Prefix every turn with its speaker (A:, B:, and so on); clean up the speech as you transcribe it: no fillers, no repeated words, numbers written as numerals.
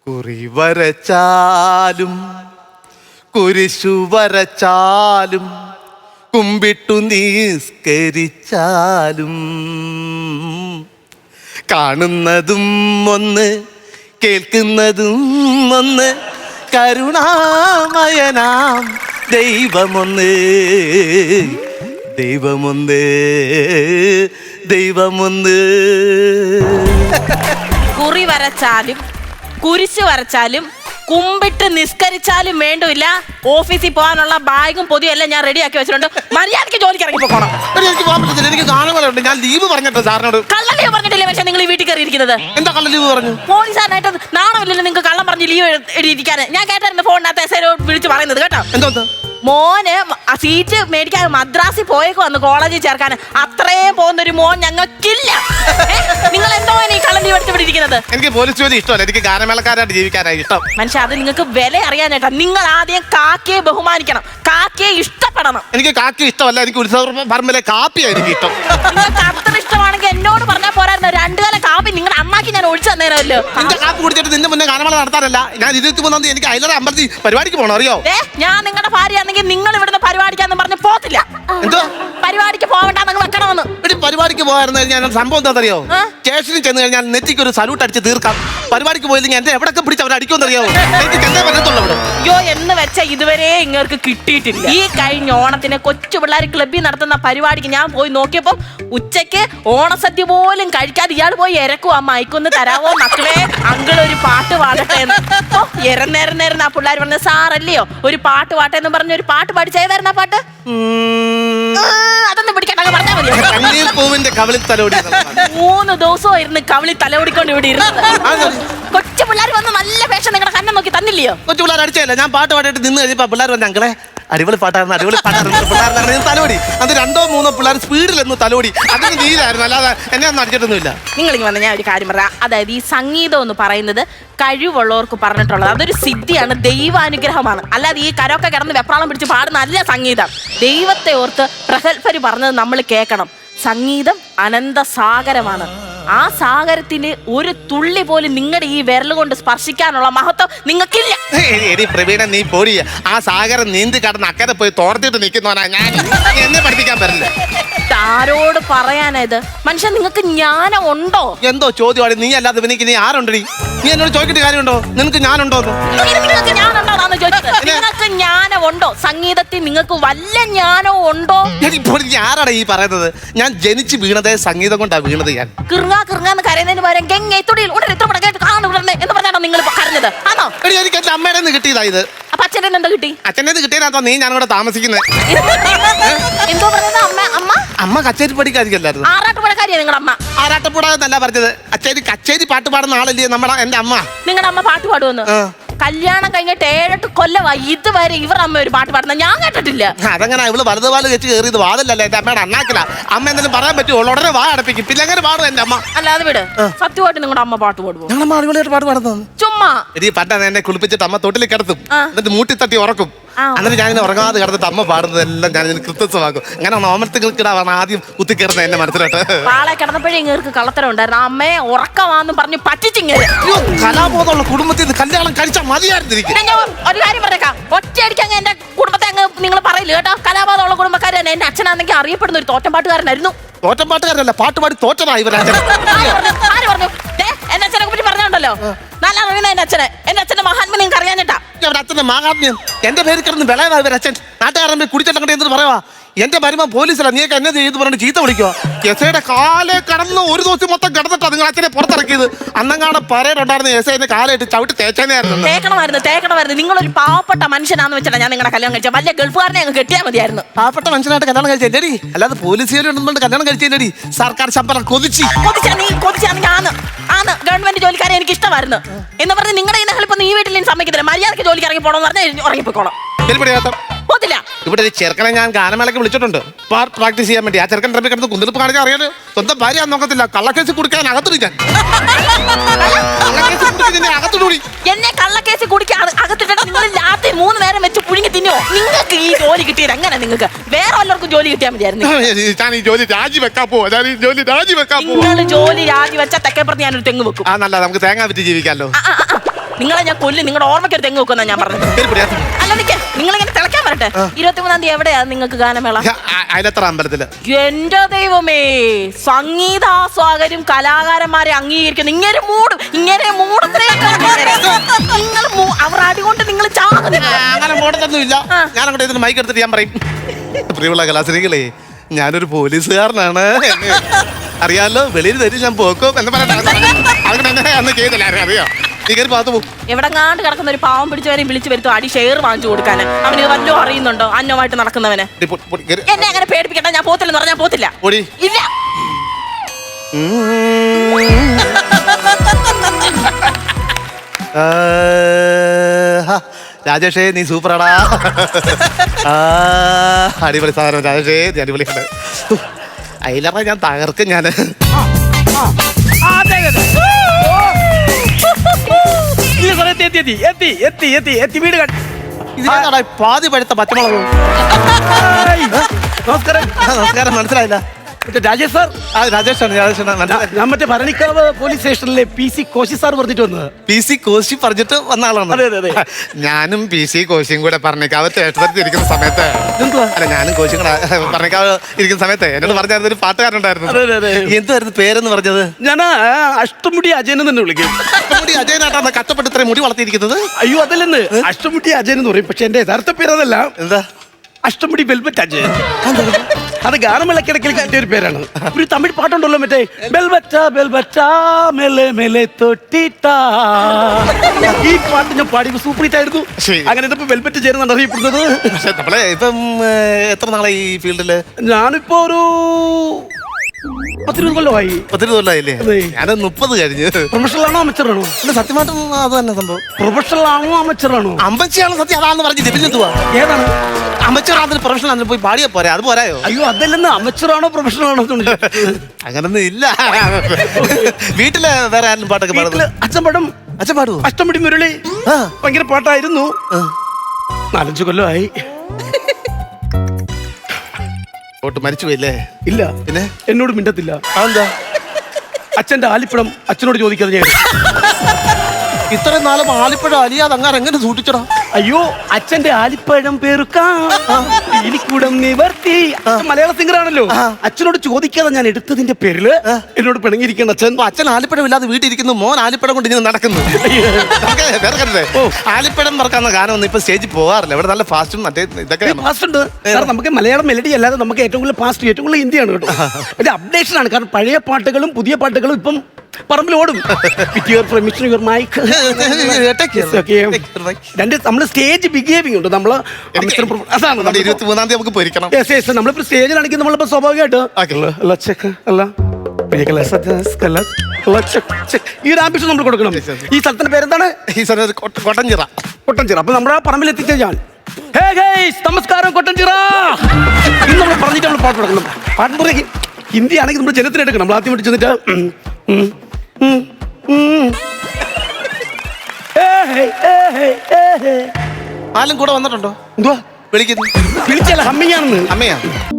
A: കുറി വരച്ചാലും കുരിശു വരച്ചാലും കുമ്പിട്ടു നിസ്കരിച്ചാലും കാണുന്നതും ഒന്ന് കേൾക്കുന്നതും ഒന്ന് കരുണാമയനാം ദൈവമൊന്ന് ദൈവമൊന്ന് ദൈവമൊന്ന്.
B: കുറി വരച്ചാലും കുരിശ് വരച്ചാലും കുമ്പിട്ട് നിസ്കരിച്ചാലും വേണ്ടില്ല ഓഫീസിൽ പോകാനുള്ള ബാഗും പൊതിയും എല്ലാം ഞാൻ റെഡിയാക്കി വെച്ചിട്ടുണ്ട്. മര്യാദയ്ക്ക് ജോലിക്ക് ഇറങ്ങി പോകണം.
A: എനിക്ക് പോകാൻ പറ്റത്തില്ല, എനിക്ക് കാണുകളുണ്ട്. ഞാൻ ലീവ് പറഞ്ഞിട്ടോ സാറിനോട്.
B: കള്ള ലീവ് പറഞ്ഞിട്ടില്ലേ പക്ഷേ നിങ്ങൾ ഈ വീട്ടിൽ കയറി ഇരിക്കുന്നത്?
A: എന്താ കള്ള ലീവ് പറഞ്ഞു?
B: പോലീസുകാരനായിട്ട് നാണമില്ലല്ലോ നിങ്ങൾക്ക് കള്ളം പറഞ്ഞ് ലീവ് എഴുതിയിരിക്കാൻ. ഞാൻ കേട്ടായിരുന്നു ഫോണിനകത്ത് എസ്ഐയോട് വിളിച്ച് പറയുന്നത് കേട്ടോ.
A: എന്തോ
B: മോന് ആ സീറ്റ് മേടിക്കാൻ മദ്രാസിൽ പോയേക്ക് വന്ന് കോളേജിൽ ചേർക്കാൻ. അത്രയും പോകുന്നൊരു മോൻ ഞങ്ങൾക്കില്ല. നിങ്ങൾ എന്തോ ഈ കള്ളം ലീവ് എടുത്ത് ഇവിടെ ഇരിക്കുന്നത്?
A: എനിക്ക് പോലീസ് ജോലി ഇഷ്ടമല്ല, എനിക്ക് ഗാനമേളക്കാരായിട്ട് ജീവിക്കാനായി ഇഷ്ടം.
B: മനുഷ്യ അത് നിങ്ങൾക്ക് വില അറിയാനായിട്ടാ. നിങ്ങൾ ആദ്യം കാക്കയെ ബഹുമാനിക്കണം, കാക്കയെ ഇഷ്ടപ്പെടണം.
A: എനിക്ക് കാക്കി ഇഷ്ടമല്ല, എനിക്ക് ഉത്സവ പറമ്പിലെ കാപ്പിയാണ് എനിക്ക് ഇഷ്ടം.
B: നിങ്ങൾക്ക് അത്ര ഇഷ്ടമാണെങ്കിൽ എന്നോട് പറഞ്ഞാൽ പോരായിരുന്നു. 2 കാലം കാപ്പി നിങ്ങളുടെ അമ്മക്ക് ഞാൻ ഒഴിച്ചു തന്നേരമല്ലോ.
A: നിന്റെ കാപ്പി കുടിച്ചിട്ട് നിന്റെ മുന്നേ ഗാനമേള നടത്താനല്ല. ഞാൻ 23-ാം തീയതി എനിക്ക് അയലറ അമ്പലത്തിൽ പരിപാടിക്ക് പോകണം, അറിയോ?
B: ഞാൻ നിങ്ങളുടെ ഭാര്യയാണെങ്കിൽ നിങ്ങൾ ഇവിടുന്ന് പരിപാടിക്കാന്ന് പറഞ്ഞ് പോത്തില്ല.
A: എന്തോ
B: പരിപാടിക്ക് പോകണ്ടെന്ന് വെക്കണമെന്ന്.
A: പരിപാടിക്ക് പോകായിരുന്നു കഴിഞ്ഞാൽ സംഭവം എന്താണെന്നറിയോ? സ്റ്റേഷനിൽ ചെന്ന് കഴിഞ്ഞാൽ നെറ്റിക്ക് ഒരു സല്യൂട്ട് അടിച്ച് തീർക്കാം. പരിപാടിക്ക് പോയില്ലെങ്കിൽ എന്റെ എവിടെയൊക്കെ പിടിച്ച് അവർ അടിക്കുമെന്നറിയാവോ? എനിക്ക് ചെന്നേ പറ്റത്തുള്ളൂ.
B: അയ്യോ എന്ന് വെച്ച ഇതുവരെ ഇങ്ങൾക്ക് കിട്ടിയിട്ടില്ല. ഈ കഴിഞ്ഞ ഓണത്തിന് കൊച്ചു പിള്ളേർ ക്ലബ്ബിൽ നടത്തുന്ന പരിപാടിക്ക് ഞാൻ പോയി നോക്കിയപ്പോൾ ഉച്ചയ്ക്ക് ഓണസദ്യ പോലും കഴിക്കാതെ ഇയാൾ പോയി ഇരക്കും. ആ മൈക്കൊന്ന് തരാവോ മക്കളെ, അങ്കിൾ ഒരു പാട്ട് പാടട്ടെ എന്ന്. ഇരന്നേരം ആ പിള്ളേർ പറഞ്ഞ സാറല്ലയോ ഒരു പാട്ട് പാട്ടെന്ന് പറഞ്ഞ ഒരു പാട്ട് പാടിച്ചേതായിരുന്നു. ആ പാട്ട് അതൊന്നും പിടിക്കാൻ പറഞ്ഞാൽ മതി.
A: പൂവിന്റെ കവിളിൽ തലോടി
B: 3 ദിവസമായിരുന്നു കവിളി തലോടിക്കൊണ്ട് ഇവിടെ ഇരുന്നത്. കൊച്ചു പിള്ളേർ വന്ന് നല്ല വേഷം നിങ്ങളുടെ കണ്ണം നോക്കി തന്നില്ലയോ?
A: കൊച്ചു പിള്ളേർ അടിച്ചല്ല, ഞാൻ പാട്ട് പാടിയിട്ട് നിന്ന് കഴിഞ്ഞപ്പോ പിള്ളേർ വന്ന അങ്കളെ അടിപൊളി പാട്ടായിരുന്നു, അടിപൊളി പാട്ടായിരുന്നു പിള്ളേർ തലോടി. അത് 2-3 പിള്ളേർ സ്പീഡിലൊന്ന് തലോടി. അതിന് നീലായിരുന്നു, അല്ലാതെ എന്നെ ഒന്നും അടിച്ചിട്ടൊന്നുമില്ല.
B: നിങ്ങളിങ്ങ് വന്ന ഞാൻ ഒരു കാര്യം പറയാം. അതായത് ഈ സംഗീതം എന്ന് പറയുന്നത് കഴിവുള്ളവർക്ക് പറഞ്ഞിട്ടുള്ളത് അതൊരു സിദ്ധിയാണ്, ദൈവാനുഗ്രഹമാണ്. അല്ലാതെ ഈ കരൊക്കെ കിടന്ന് വെപ്രാളം പിടിച്ച് പാടുന്ന നല്ല സംഗീതം. ദൈവത്തെ ഓർത്ത് പ്രഗത്ഭര് പറഞ്ഞത് നമ്മൾ കേൾക്കണം. സംഗീതം അനന്ത സാഗരമാണ്. ആ സാഗരത്തിന് ഒരു തുള്ളി പോലും നിങ്ങളുടെ ഈ വിരൽ കൊണ്ട് സ്പർശിക്കാനുള്ള മഹത്വം നിങ്ങൾക്കില്ല.
A: പ്രവീണ നീ പോടി. ആ സാഗരം നീന്തി കടന്ന് അക്കരെ പോയി തോർത്തിട്ട് നിൽക്കുന്നവനാ ഞാൻ. എന്നെ പഠിപ്പിക്കാൻ പറ്റില്ല.
B: ആരോട് പറയാനായത്? മനുഷ്യൻ നിങ്ങൾക്ക് ജ്ഞാനം ഉണ്ടോ?
A: എന്തോ ചോദ്യമാണ്. നീ അല്ലാതെ എനിക്ക് നീ ആരുണ്ടടി? നീ എന്നോട് ചോദിച്ചിട്ട് കാര്യമുണ്ടോ? നിനക്ക് ഞാനുണ്ടോ?
B: നിങ്ങൾക്ക് ജ്ഞാനുണ്ടോന്നാണ് ചോദിച്ചത്. നിങ്ങൾക്ക് ജ്ഞാനമുണ്ടോ? സംഗീതത്തിൽ നിങ്ങൾക്ക് വല്ല ജ്ഞാനവും ഉണ്ടോ?
A: ആരാടാ ഈ പറയുന്നത്? ഞാൻ ജനിച്ച് വീണതേ സംഗീതം കൊണ്ടാ വീണത്. ഞാൻ
B: കിറുങ്ങാന്ന് കരയുന്നതിന് പകരം ഗംഗയിൽ എന്ന് പറഞ്ഞാണോ നിങ്ങൾ കരഞ്ഞത്? ആണോ?
A: എനിക്ക് എന്റെ അമ്മയുടെ നിന്ന് കിട്ടിയതാ ഇത്.
B: അപ്പൊ അച്ഛനെ എന്താ കിട്ടി?
A: അച്ഛൻ്റെ കിട്ടിയതാ നീ ഞാനിവിടെ താമസിക്കുന്നത്.
B: എന്തോ പറയുന്നത്?
A: അമ്മ കച്ചേരി പഠിക്കാതിരിക്കല്ലായിരുന്നു.
B: ആറാട്ടുപുഴക്കാരിയാ നിങ്ങളുടെ അമ്മ?
A: ആറാട്ടുപുഴ എന്നല്ല പറഞ്ഞത്. കച്ചേരി പാട്ട് പാടുന്ന ആളല്ലേ എന്റെ അമ്മ.
B: നിങ്ങളുടെ അമ്മ പാട്ട് പാടുമെന്ന്? കല്യാണം കഴിഞ്ഞിട്ട് 7-8 കൊല്ലമായി ഇതുവരെ ഇവർ അമ്മ ഒരു പാട്ട് പാടുന്ന ഞാൻ കേട്ടിട്ടില്ല.
A: അതങ്ങനെ ഇവള് വലതുപാല് വെച്ച് കയറിയത് വാതിലല്ലേ എന്റെ അമ്മയുടെ അണ്ണാക്കില. അമ്മ എന്തെങ്കിലും പറയാൻ പറ്റുമോ? ഉടനെ വാ അടപ്പിക്കും. പിന്നെ അങ്ങനെ പാടും എന്റെ അമ്മ.
B: അല്ലാതെ വിട്. സത്യമായിട്ട് നിങ്ങളുടെ അമ്മ പാട്ട് പാടുമോ?
A: ഞങ്ങളമ്മ അടിപൊളിയായിട്ട് പാട്ട് പാടുന്നത്.
B: ചുമ്മാ
A: പണ്ടാണ് എന്നെ കുളിപ്പിച്ചിട്ട് അമ്മ തൊട്ടിൽ കിടത്തും, എന്നിട്ട് മൂട്ടി തട്ടി ഉറക്കും. എന്നിട്ട് ഞാനിങ്ങനെ ഉറങ്ങാതെ കിടന്നിട്ട് അമ്മ പാടുന്നതെല്ലാം ഞാൻ കൃത്യമാക്കും. അങ്ങനെ ഓമനത്തിക്കിടാണ് ആദ്യം കുത്തിക്കയറുന്നത് എന്റെ മനസ്സിലോട്ട്.
B: പാളെ കിടന്നപ്പോഴേ ഇങ്ങേർക്ക് കള്ളത്തരം ഉണ്ടായിരുന്നു. അമ്മയെ ഉറക്കമാന്ന് പറഞ്ഞ് പറ്റിച്ചിങ്ങനെ.
A: കലാബോധമുള്ള കുടുംബത്തിൽ നിന്ന് കല്യാണം കഴിച്ചാൽ മതിയായിരുന്നിരിക്കും.
B: ഒരു കാര്യം പറഞ്ഞേക്കാം, ഒറ്റയടിക്ക് എന്റെ കുടുംബത്തെ അങ്ങ് നിങ്ങൾ പറയില്ല കേട്ടോ. കലാബോധമുള്ള കുടുംബക്കാർ തന്നെ. എന്റെ അച്ഛനാണെങ്കിൽ അറിയപ്പെടുന്ന ഒരു തോറ്റം പാട്ടുകാരനായിരുന്നു.
A: തോറ്റം പാട്ടുകാരനല്ല, പാട്ടുപാടി തോറ്റതാ ഇവരച്ഛൻ.
B: ആര് പറഞ്ഞു? എന്റെ അച്ഛനെ പറ്റി പറഞ്ഞോണ്ടല്ലോ. നല്ല അറിയുന്ന എന്റെ അച്ഛനെ. എന്റെ അച്ഛന്റെ മഹാത്മ്യം നിങ്ങൾക്ക് അറിയാഞ്ഞിട്ടാ.
A: അച്ഛന്റെ മഹാത്മ്യം എന്റെ പേര് കിടന്ന് വിളയതാ ഇവരച്ഛൻ. നാട്ടുകാരൻ കുടിച്ചിട്ട് എന്ത് പറയുവാ? എന്റെ മരുമ പോലീസിലാണ്, നീയൊക്കെ എന്നെ ചെയ്ത് പറഞ്ഞിട്ട് ചീത്ത വിളിക്കുക. എസ്ഐയുടെ കാലെ കടന്ന് ഒരു ദിവസം മൊത്തം കിടന്നിട്ടാ നിങ്ങൾ അച്ഛനെ പുറത്തിറക്കിയത്. അന്നങ്ങാണ് പരേഡുണ്ടായിരുന്ന എസ്ഐന്റെ കാലായിട്ട് ചവിട്ടി തേച്ചേനായിരുന്നു.
B: തേക്കണമായിരുന്നു. നിങ്ങളൊരു പാവപ്പെട്ട മനുഷ്യനാന്ന് വെച്ചാൽ ഞാൻ നിങ്ങളുടെ കല്യാണം കഴിച്ച. വലിയ ഗൾഫുകാരനെ അങ്ങ് കെട്ടിയാൽ മതിയായിരുന്നു.
A: പാവപ്പെട്ട മനുഷ്യനായിട്ട് കല്യാണം കഴിച്ചേടി, അല്ലാതെ പോലീസുകാരുണ്ട് കല്യാണം കഴിച്ചേടി. സർക്കാർ ശമ്പളം
B: കൊതിച്ചാണെങ്കിൽ ആന്ന് ഗവൺമെന്റ് ജോലിക്കാരെ എനിക്ക് ഇഷ്ടമായിരുന്നു എന്ന് പറഞ്ഞ് നിങ്ങളുടെ ഇപ്പൊ ഈ വീട്ടിൽ സമ്മതിക്കത്തില്ല. മര്യാദക്ക് ജോലിക്ക് ഇറങ്ങി പോകണമെന്ന് പറഞ്ഞാൽ ഉറങ്ങിപ്പോയിക്കോണം. പോത്തില്ല.
A: ഇവിടെ ഒരു ചെറുക്കനെ ഞാൻ ഗാനമേളയ്ക്ക് വിളിച്ചിട്ടുണ്ട് പ്രാക്ടീസ് ചെയ്യാൻ വേണ്ടി. ആ ചെറുക്കൻ ട്രമ്പിൽ കിടന്ന് കുന്തിരിപ്പ് കാണിക്കാൻ അറിയാലോ. സ്വന്തം ഭാര്യ നോക്കത്തില്ല, കള്ളക്കേസ് കുടിക്കാൻ അകത്തിടിക്കാൻ.
B: എന്നെ കള്ളക്കേസ് കുടിക്കാൻ അകത്തിട്ട് നിങ്ങൾ രാത്രി 3 നേരം വെച്ച് പുഴുങ്ങി തിന്നോ? നിങ്ങൾക്ക് ഈ ജോലി കിട്ടിയത് എങ്ങനെ? നിങ്ങൾക്ക് വേറെ വല്ലവർക്കും ജോലി കിട്ടിയാൽ മതിയായിരുന്നു.
A: ഞാൻ ഈ ജോലി രാജിവെക്കാൻ പോവാ.
B: നിങ്ങൾ ജോലി രാജിവെച്ചാൽ തെക്കേപ്പുറത്ത് ഞാനൊരു തെങ്ങ് വെക്കും.
A: ആ നല്ല നമുക്ക് തേങ്ങ വിറ്റ് ജീവിക്കാമല്ലോ.
B: നിങ്ങളെ ഞാൻ കൊല്ലും, നിങ്ങളുടെ ഓർമ്മയ്ക്ക് ഒരു തെങ്ങ് വെക്കുന്ന ഞാൻ പറഞ്ഞത്. അല്ല നിക്ക്, നിങ്ങളിങ്ങനെ തിളക്കാൻ വരട്ടെ. 23-ാം തീയതി എവിടെയാ നിങ്ങൾക്ക് ഗാനമേള?
A: അതിലെത്ര അമ്പലത്തില്?
B: എന്റെ ദൈവമേ, സംഗീതാസ്വാകരും കലാകാരന്മാരെ അംഗീകരിക്കുന്നു. ഇങ്ങനെ മൂടും, ഇങ്ങനെ നിങ്ങൾ അവർ അടികൊണ്ട് നിങ്ങൾ ചാകുന്നില്ല.
A: അങ്ങനെ മോടത്തൊന്നും ഇല്ല. ഞാൻ അങ്ങോട്ട് ഇതിന് മൈക്ക് എടുത്തിട്ട് ഞാൻ പറയും, പ്രിയമുള്ള കലാശ്രീകളെ, ഞാനൊരു പോലീസുകാരനാണ്, അറിയാലോ, വെളിയിൽ തരും ഞാൻ പോക്കും എന്ന് പറയട്ടെ. അങ്ങനെ അന്ന് ചെയ്തില്ല, അറിയോ? നീ കയറി പാത്തു പോകും.
B: എവിടെങ്ങാണ്ട് കിടക്കുന്ന ഒരു പാവം പിടിച്ചവരെയും വിളിച്ചു വരുത്തും അടി ഷെയർ വാങ്ങിച്ചു കൊടുക്കാൻ. അവന് ഇത് വല്ലതും അറിയുന്നുണ്ടോ? അന്നമായിട്ട് നടക്കുന്നവന് എന്നെ അങ്ങനെ പേടിപ്പിക്കട്ടെ. ഞാൻ പോത്തില്ലെന്ന് പറഞ്ഞാൽ പോത്തില്ല. ഇല്ല.
A: രാജേഷേ, നീ സൂപ്പറാടാ. അടിപൊളി സാധനം രാജേഷേ, നീ അടിപൊളിയാണ്. അതിലറ ഞാൻ തകർക്കും ഞാൻ. ഇതിനാടാ പാതി പഴുത്ത പച്ചമുളക്.
C: നമസ്കാരം.
A: നമസ്കാരം, മനസ്സിലായില്ല.
C: രാജേഷ് സാർ?
A: രാജേഷാണ്.
C: ഞാൻ മറ്റേ ഭരണിക്കാവ് പോലീസ് സ്റ്റേഷനിലെ PC കോശി സാർ പറഞ്ഞിട്ട് വന്നത്.
A: PC കോശി പറഞ്ഞിട്ട് വന്ന ആളാണ്.
C: അതെ.
A: ഞാനും PC കോശിയും കൂടെ പറഞ്ഞേക്കാവ് സ്റ്റേഷനിൽ ഇരിക്കുന്ന സമയത്ത്, അല്ല ഞാനും കോശിയും കൂടെ പറഞ്ഞേക്കാവ് ഇരിക്കുന്ന സമയത്ത് എന്നോട് പറഞ്ഞായിരുന്നു ഒരു പാട്ടുകാരുണ്ടായിരുന്നു. എന്തായിരുന്നു പേരെന്ന് പറഞ്ഞത്?
C: ഞാൻ അഷ്ടമുടി അജയൻ തന്നെ വിളിക്കും.
A: അഷ്ടമുടി അജയനായിട്ടാണ് കഷ്ടപ്പെട്ട് ഇത്രയും മുടി വളർത്തിയിരിക്കുന്നത്.
C: അയ്യോ അതല്ലെന്ന്, അഷ്ടമുടി അജയൻ എന്ന് പറയും. പക്ഷെ എന്റെ യഥാർത്ഥ പേര് അതല്ല.
A: എന്താ?
C: അഷ്ടമുടി വെൽവെറ്റ് അജയൻ. അത് ഗാനമേളക്കിടക്കിൽ കിട്ടിയ ഒരു പേരാണ്. ഒരു തമിഴ് പാട്ടുണ്ടല്ലോ, മറ്റേ ബെൽവെറ്റാ ബെൽവെറ്റാ മെല്ലെ മെല്ലെ തൊട്ടിട്ടാ. ഈ പാട്ട് ഞാൻ പാടി സൂപ്പർ ഹിറ്റ് ആയിരുന്നു. അങ്ങനെ ഇതിപ്പോ വെൽവെറ്റ് ചേരുന്നാണ് അറിയപ്പെടുന്നത്.
A: പക്ഷെ നമ്മളെ ഇപ്പം എത്ര നാളെ ഈ ഫീൽഡില്?
C: ഞാനിപ്പോ ഒരു 10-20 കൊല്ലമായി.
A: 10 കൊല്ലമായില്ലേ? ഞാൻ 30 കഴിഞ്ഞ്.
C: പ്രൊഫഷണൽ ആണോ അമച്ചറാണോ?
A: സത്യമായിട്ടും അത് തന്നെ സംഭവം.
C: പ്രൊഫഷണൽ ആണോ അമച്ചറാണോ?
A: അമ്പച്ചിയാണ് സത്യം, അതാന്ന് പറഞ്ഞ് ജപിച്ചെന്തുവാ.
C: ഏതാണ്
A: അമച്ചറാണ്? പ്രൊഫഷണൽ ആണെന്ന് പോയി പാടിയാ പോരാ? അത് പോരായോ?
C: അയ്യോ അതല്ലെന്ന്, അമച്ചറാണോ പ്രൊഫഷണൽ ആണോ?
A: അങ്ങനൊന്നും ഇല്ല. വീട്ടില് വേറെ ആരും പാട്ടൊക്കെ പാടുന്നത്?
C: അച്ഛൻ പാടും.
A: അച്ഛൻ പാടുവോ?
C: അഷ്ടമുടി മുരളി ഭയങ്കര പാട്ടായിരുന്നു. 4-5 കൊല്ലമായി.
A: ഓട്ട് മരിച്ചു പോയില്ലേ?
C: ഇല്ല.
A: പിന്നെ
C: എന്നോട് മിണ്ടത്തില്ല.
A: അതെന്താ?
C: അച്ഛന്റെ ആലിപ്പഴം അച്ഛനോട് ചോദിക്കാതെ ഞാൻ.
A: ഇത്രയും നാളും ആലിപ്പഴം അലിയാതെ അങ്ങനെ എങ്ങനെ സൂക്ഷിച്ചടാ?
C: അയ്യോ, അച്ഛന്റെ ആലിപ്പഴം പെറുക്കാം ഇനിക്കൂടം നിവർത്തി. മലയാള സിംഗർ ആണല്ലോ. അച്ഛനോട് ചോദിക്കാതെ ഞാൻ എടുത്തതിന്റെ പേരില് എന്നോട് പിണങ്ങിയിരിക്കുന്ന അച്ഛൻ.
A: അച്ഛൻ ആലിപ്പഴം ഇല്ലാതെ വീട്ടിലിരിക്കുന്നു, മോൻ ആലിപ്പഴം കൊണ്ട് ഇങ്ങനെ നടക്കുന്നു. ആലിപ്പഴം മറക്കാവുന്ന ഗാനമൊന്നും ഇപ്പൊ സ്റ്റേജിൽ പോകാറില്ല. ഇവിടെ നല്ല ഫാസ്റ്റും മറ്റേ ഇതൊക്കെ
C: ഫാസ്റ്റ് ഉണ്ട്. കാരണം നമുക്ക് മലയാളം മെലഡി അല്ലാതെ നമുക്ക് ഏറ്റവും കൂടുതൽ ഫാസ്റ്റ്, ഏറ്റവും കൂടുതൽ ഹിന്ദിയാണ് കേട്ടോ. ഒരു അപ്ഡേഷൻ ആണ്. കാരണം പഴയ പാട്ടുകളും പുതിയ പാട്ടുകളും ഇപ്പം പറമ്പിൽ ഓടും. നമ്മള് സ്റ്റേജ് ബിഹേവിംഗ് ഉണ്ട്. നമ്മള്
A: 23-ാം തീയതി നമുക്ക് പൊരിക്കണം.
C: നമ്മളിപ്പോ സ്റ്റേജിലാണെങ്കിൽ നമ്മളിപ്പോ സ്വാഭാവികമായിട്ട് ഈ ഒരു ആംബിഷൻ നമ്മൾ കൊടുക്കണം. ഈ സ്ഥലത്തിന്റെ പേരെന്താണ്?
A: ഈ സ്ഥലം കൊട്ടഞ്ചിറ.
C: അപ്പൊ നമ്മുടെ പറമ്പിൽ എത്തിച്ച ഞാൻ, നമസ്കാരം കൊട്ടഞ്ചിറ ഇന്ന് നമ്മൾ പറഞ്ഞിട്ട് നമ്മൾ പാട്ട് കൊടുക്കണം. പാട്ട് പറയും ഹിന്ദി ആണെങ്കിൽ നമ്മൾ ജനത്തിന് എടുക്കണം. നമ്മൾ ആദ്യം ചെന്നിട്ട്
A: ആലും കൂടെ വന്നിട്ടുണ്ടോ?
C: എന്തുവാ
A: വിളിക്കുന്നു?
C: വിളിച്ചല്ല, ഹമ്മിങ് ആണെന്ന്.
A: അമ്മയാ?